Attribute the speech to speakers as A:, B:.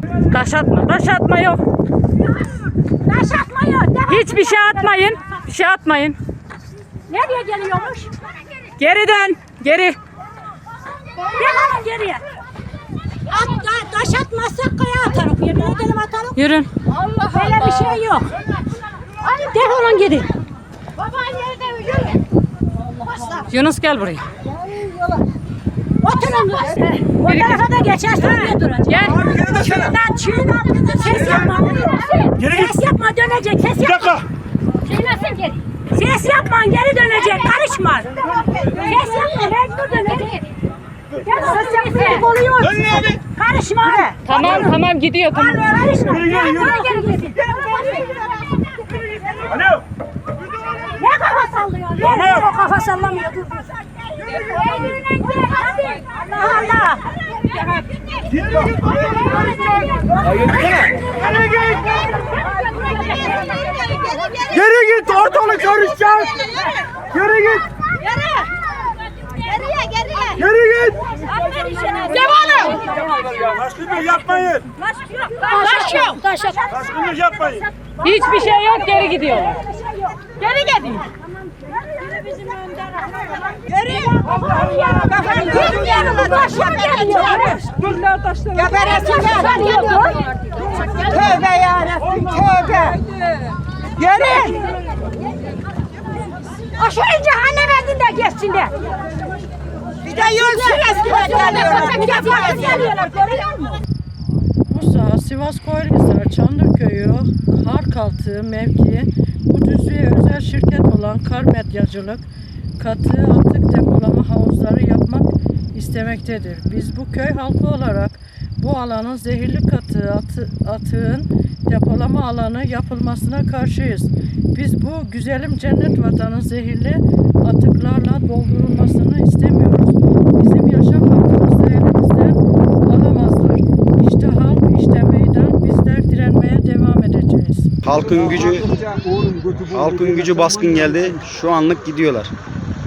A: Taş atma. Taş atma yok.
B: Taş atma yok.
A: Hiçbir şey atmayın. Bir şey atmayın.
B: Nereye geliyormuş?
A: Geri dön. Geri.
B: Defolun geriye. Taş atmazsak kaya atarız. Yerine gidelim atalım.
A: Yürün.
B: Böyle bir şey yok. Defolun geri.
A: Yunus gel buraya.
B: Oturun. O tarafa da geçersin diye duracak.
A: Gel.
B: Çiğden ses yapma. Ses yapma dönecek. Ses yapma. Şeylesin geri. Ses yapma geri dönecek. Karışma. Ses yapma mecbur dönecek. Ses yapma oluyor. Karışma.
A: Tamam gidiyor tamam.
B: Karışma. Geri gitsin.
C: Alo.
B: Ne kafa sallıyor? Ne o kafa sallamıyor? Dur. Allah Allah.
C: Geri git, ortalık karışacak. Geri git. Geri git.
B: Devam.
C: Taşkınlık yapmayın. Taşkınlık yapmayın.
A: Hiçbir şey yok geri gidiyorlar.
B: Geri gidin. Geri. Bizim yanına taşlar geliyor. Geberesinler. Tövbe yarabbim tövbe. Geri. Aşağı cehenneme de geçsin de. Bir de yol süresiyle geliyorlar. Görüyor musun?
D: Bursa, Sivas Koyunhisar, Çanlıköy'ü, Harkaltı mevkii bu düzlüğe özel şirket olan Kar Medyacılık katı atık depolama havuzları yapmak istemektedir. Biz bu köy halkı olarak bu alanın zehirli atığın depolama alanı yapılmasına karşıyız. Biz bu güzelim cennet vatanın zehirli atıklarla doldurulmasını istemiyoruz. Bizim yaşam hakkımızı elimizden alamazlar. İşte halk, işte meydan, bizler direnmeye devam edeceğiz.
E: Halkın gücü baskın geldi. Şu anlık gidiyorlar.